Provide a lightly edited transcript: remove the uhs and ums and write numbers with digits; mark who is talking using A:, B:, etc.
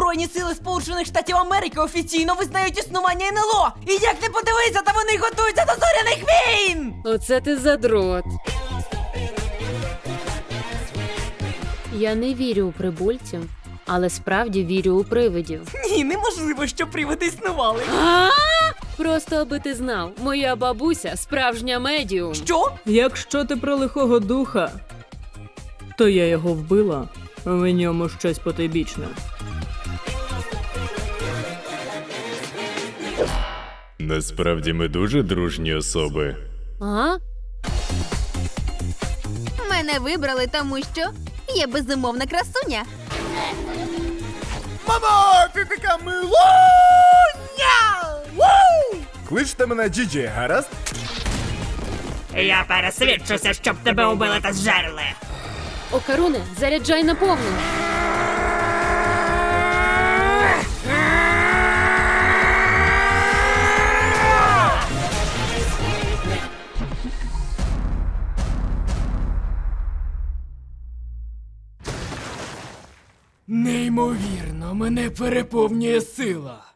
A: Збройні сили Сполучених Штатів Америки офіційно визнають існування НЛО! І як не подивися, та вони готуються до зоряних війн!
B: Оце ти задрот. Я не вірю у прибульців, але справді вірю у привидів.
A: Ні, неможливо, що привиди існували.
B: Просто аби ти знав, моя бабуся справжня медіум.
A: Що?
C: Якщо ти про лихого духа, то я його вбила, в ньому щось потойбічне.
D: Насправді ми дуже дружні особи.
B: А?
E: Мене вибрали, тому що є безумовна красуня.
F: Мамо, ти така милуня! Кличте мене Джіджі, гаразд?
A: Я пересвідчуся, щоб тебе убили та зжерли.
B: Окаруне, заряджай на повну.
G: Неймовірно, мене переповнює сила.